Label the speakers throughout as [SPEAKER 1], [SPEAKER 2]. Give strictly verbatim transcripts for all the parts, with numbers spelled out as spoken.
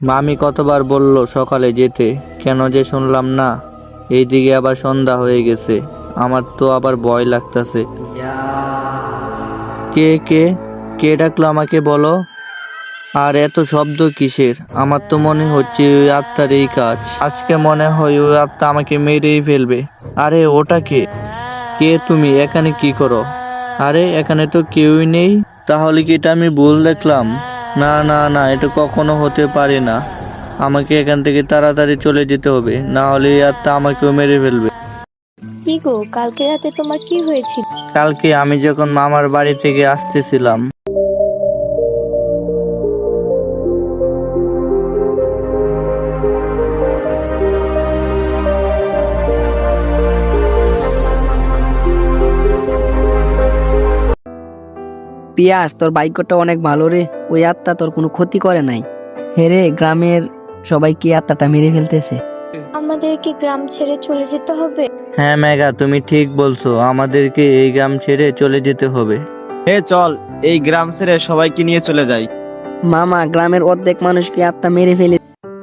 [SPEAKER 1] মামি কতবার বলল সকালে যেতে, কেন যে শুনলাম না। এইদিকে আবার সন্ধ্যা হয়ে গেছে, আমার তো আবার ভয় লাগতাছে। কে কে কে ডাকলো আমাকে বলো। আর এত শব্দ কিসের? আমার তো মনে হচ্ছে ওই আত্মার এই কাজ। আজকে মনে হয় ওই আত্মা আমাকে মেরেই ফেলবে। আরে ওটা কে? কে তুমি? এখানে কি করো? আরে এখানে তো কেউই নেই। তাহলে কি এটা আমি ভুল দেখলাম? না না না, এটা কখনো হতে পারে না। আমাকে এখান থেকে তাড়াতাড়ি চলে যেতে হবে, না হলে এই আত্মা আমাকেও মেরে ফেলবে।
[SPEAKER 2] কি গো, কালকে রাতে তোমার কি হয়েছিল?
[SPEAKER 1] কালকে আমি যখন মামার বাড়ি থেকে আসতেছিলাম,
[SPEAKER 3] পিয়াস, তোর বাইকটা অনেক ভালো রে। ওই আত্মা তোর কোনো ক্ষতি করে নাই। হেরে গ্রামের সবাই কি আত্মাটা মেরে ফেলতেছে।
[SPEAKER 2] আমাদের কি গ্রাম ছেড়ে চলে যেতে হবে?
[SPEAKER 1] হ্যাঁ মেঘা, তুমি ঠিক বলছো, আমাদেরকে এই গ্রাম ছেড়ে চলে যেতে হবে।
[SPEAKER 4] হে চল, এই গ্রাম ছেড়ে সবাইকে নিয়ে চলে যাই।
[SPEAKER 3] মামা, গ্রামের অর্ধেক মানুষকে আত্মা মেরে ফেলে।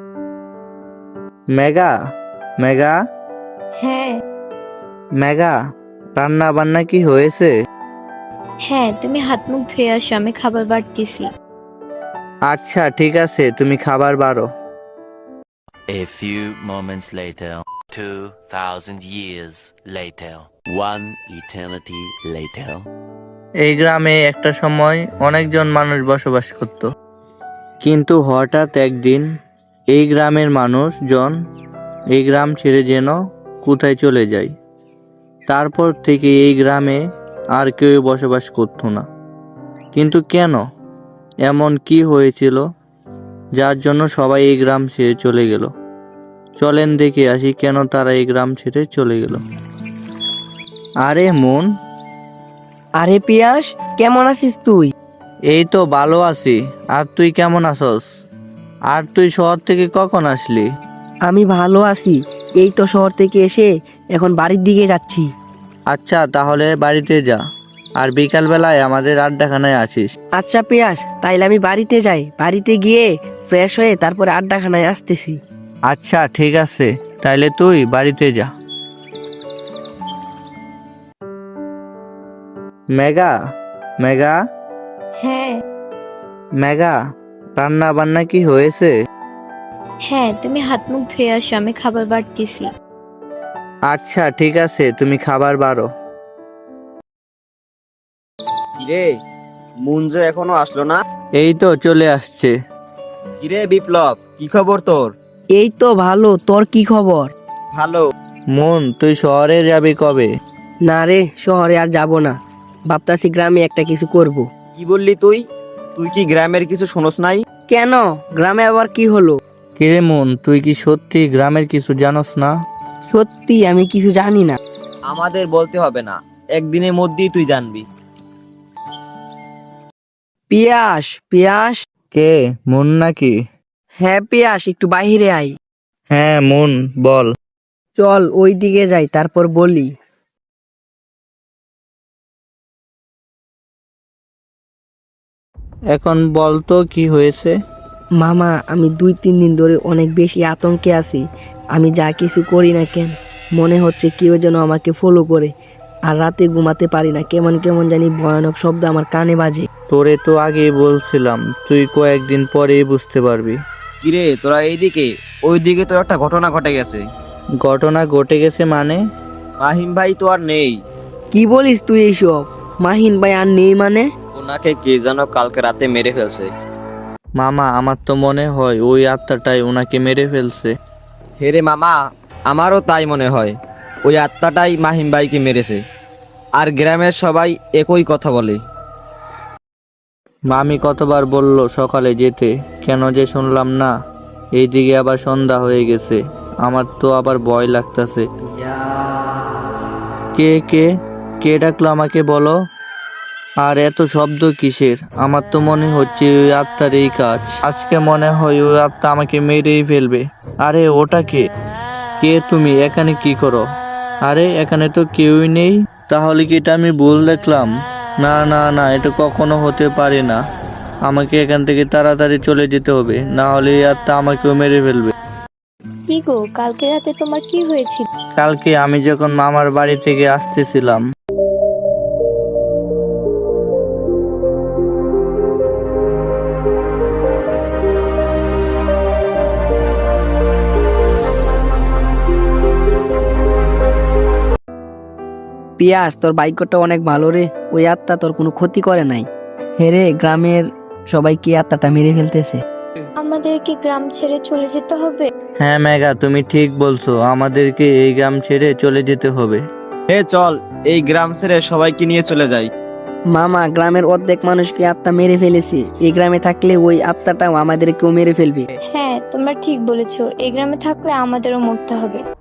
[SPEAKER 1] মেঘা, মেঘা,
[SPEAKER 2] হ্যাঁ
[SPEAKER 1] মেঘা, রান্না বান্না কি হয়েছে?
[SPEAKER 2] হ্যাঁ, তুমি হাত মুখ ধুয়ে আসো, আমি খাবার বাড়তেছি।
[SPEAKER 1] আচ্ছা ঠিক আছে, তুমি খাবার বাড়ো।
[SPEAKER 5] A few moments later, two thousand years later, one eternity later.
[SPEAKER 1] এই গ্রামে একটা সময় অনেকজন মানুষ বসবাস করত, কিন্তু হঠাৎ একদিন এই গ্রামের মানুষজন এই গ্রাম ছেড়ে যেন কোথায় চলে যায়। তারপর থেকে এই গ্রামে আর কেউ বসবাস করতো না। কিন্তু কেন? এমন কি হয়েছিল যার জন্য সবাই এই গ্রাম ছেড়ে চলে গেল? চলেন দেখে আসি কেন তারা এই গ্রাম ছেড়ে চলে গেল। আরে মন,
[SPEAKER 3] আরে পিয়াস, কেমন আছিস তুই?
[SPEAKER 1] এই তো ভালো আছি। আর তুই কেমন আছস? আর তুই শহর থেকে কখন আসলি?
[SPEAKER 3] আমি ভালো আছি। এই তো শহর থেকে এসে এখন বাড়ির দিকে যাচ্ছি।
[SPEAKER 1] আচ্ছা তাহলে বাড়িতে যা, আর বিকাল বেলায় আমাদের আড্ডাখানায় আসিস।
[SPEAKER 3] আচ্ছা পিয়াস, তাইলে আমি বাড়িতে যাই। বাড়িতে গিয়ে ফ্রেশ হয়ে তারপরে আড্ডাখানায় আসতেছি।
[SPEAKER 1] আচ্ছা ঠিক আছে, তাইলে তুই বাড়িতে যা। মেঘা, মেঘা,
[SPEAKER 2] হ্যাঁ
[SPEAKER 1] মেঘা, রান্না বান্না কি হয়েছে?
[SPEAKER 2] হ্যাঁ, তুমি হাত মুখ ধুয়ে আসো, আমি খাবার বাড়তেছি।
[SPEAKER 1] আচ্ছা ঠিক আছে, তুমি খাবার বাড়ো।
[SPEAKER 4] কিরে, মুঞ্জো এখনো আসলো না?
[SPEAKER 1] এই তো চলে আসছে।
[SPEAKER 4] কিরে বিপ্লব, কি খবর তোর?
[SPEAKER 3] এই তো ভালো, তোর কি খবর?
[SPEAKER 4] ভালো।
[SPEAKER 1] মন, তুই শহরে যাবি কবে?
[SPEAKER 3] না রে, শহরে আর যাব না। ভাবতাছি গ্রামে একটা কিছু করব।
[SPEAKER 4] কি বললি তুই? তুই কি গ্রামের কিছু শোনস নাই?
[SPEAKER 3] কেন, গ্রামে আবার কি হলো?
[SPEAKER 1] কিরে মন, তুই কি সত্যি গ্রামের কিছু জানোস না?
[SPEAKER 3] সত্যি আমি কিছু জানি না।
[SPEAKER 4] আমাদের বলতে হবে না, একদিনের মধ্যেই তুই জানবি।
[SPEAKER 3] পিয়াস, পিয়াস।
[SPEAKER 1] কে, মন নাকি?
[SPEAKER 3] হ্যাঁ পিয়াস, একটু বাইরে আই।
[SPEAKER 1] হ্যাঁ মন, বল।
[SPEAKER 3] চল ওই দিকে যাই, তারপর বলি।
[SPEAKER 1] এখন বল তো কি হয়েছে?
[SPEAKER 3] মামা, আমি দুই তিন দিন ধরে অনেক বেশি আতঙ্কে আছি। আমি যা কিছু করি না কেন, মনে হচ্ছে কেউ যেন আমাকে ফলো করে। আর রাতে ঘুমাতে পারি না, কেমন কেমন জানি ভয়ানক শব্দ আমার কানে বাজে।
[SPEAKER 1] তোরে তো আগেই বলছিলাম, তুই কয়েকদিন পরেই বুঝতে পারবি।
[SPEAKER 4] কিরে তোরা এইদিকে, ওইদিকে তো একটা ঘটনা ঘটে গেছে।
[SPEAKER 1] ঘটনা ঘটে গেছে মানে?
[SPEAKER 4] মাহিম ভাই তো আর নেই।
[SPEAKER 3] কি বলিস তুই এইসব? মাহিন ভাই আর নেই মানে?
[SPEAKER 4] ওনাকে কে যেন কালকে রাতে মেরে ফেলছে।
[SPEAKER 1] মামা, আমার তো মনে হয় ওই আত্মাটাই ওনাকে মেরে ফেলছে।
[SPEAKER 4] হেরে মামা, আমারও তাই মনে হয়। ওই আত্মাটাই মাহিম ভাইকে মেরেছে। আর গ্রামের সবাই একই কথা বলে।
[SPEAKER 1] মামি কতবার বলল সকালে যেতে, কেন যে শুনলাম না। এইদিকে আবার সন্ধ্যা হয়ে গেছে, আমার তো আবার ভয় লাগতাছে। কে কে কে ডাকলো আমাকে বলো। আর এত শব্দ কিসের? আমার তো মনে হচ্ছে ওই আত্মার এই কাজ। আজকে মনে হয় ওই আত্মা আমাকে মেরেই ফেলবে। আরে ওটা কে? কে তুমি? এখানে কি করো? আরে এখানে তো কেউই নেই। তাহলে কি এটা আমি ভুল দেখলাম? না না না, এটা কখনো হতে পারে না। আমাকে এখান থেকে তাড়াতাড়ি চলে যেতে হবে, না হলে এই আত্মা আমাকেও মেরে ফেলবে।
[SPEAKER 2] কি গো, কালকে রাতে তোমার কি হয়েছিল?
[SPEAKER 1] কালকে আমি যখন মামার বাড়ি থেকে আসতেছিলাম,
[SPEAKER 3] পিয়াস, তোর ভাগ্যটা অনেক ভালো রে, ওই আত্মা তোর কোনো ক্ষতি করে নাই। হেরে গ্রামের সবাই কি আত্মাটা মেরে ফেলতেছে।
[SPEAKER 2] আমাদের কি গ্রাম ছেড়ে চলে যেতে হবে?
[SPEAKER 1] হ্যাঁ মেঘা, তুমি ঠিক বলছো, আমাদেরকে এই গ্রাম ছেড়ে চলে যেতে হবে।
[SPEAKER 4] হে চল, এই গ্রাম ছেড়ে সবাইকে নিয়ে চলে যাই।
[SPEAKER 3] মামা, গ্রামের অর্ধেক মানুষকে আত্মা মেরে ফেলেছে, এই গ্রামে থাকলে ওই আত্মাটাও আমাদেরকেও মেরে ফেলবে।
[SPEAKER 2] হ্যাঁ, তোমরা ঠিক বলেছো, এই গ্রামে থাকলে আমাদেরও মরতে হবে।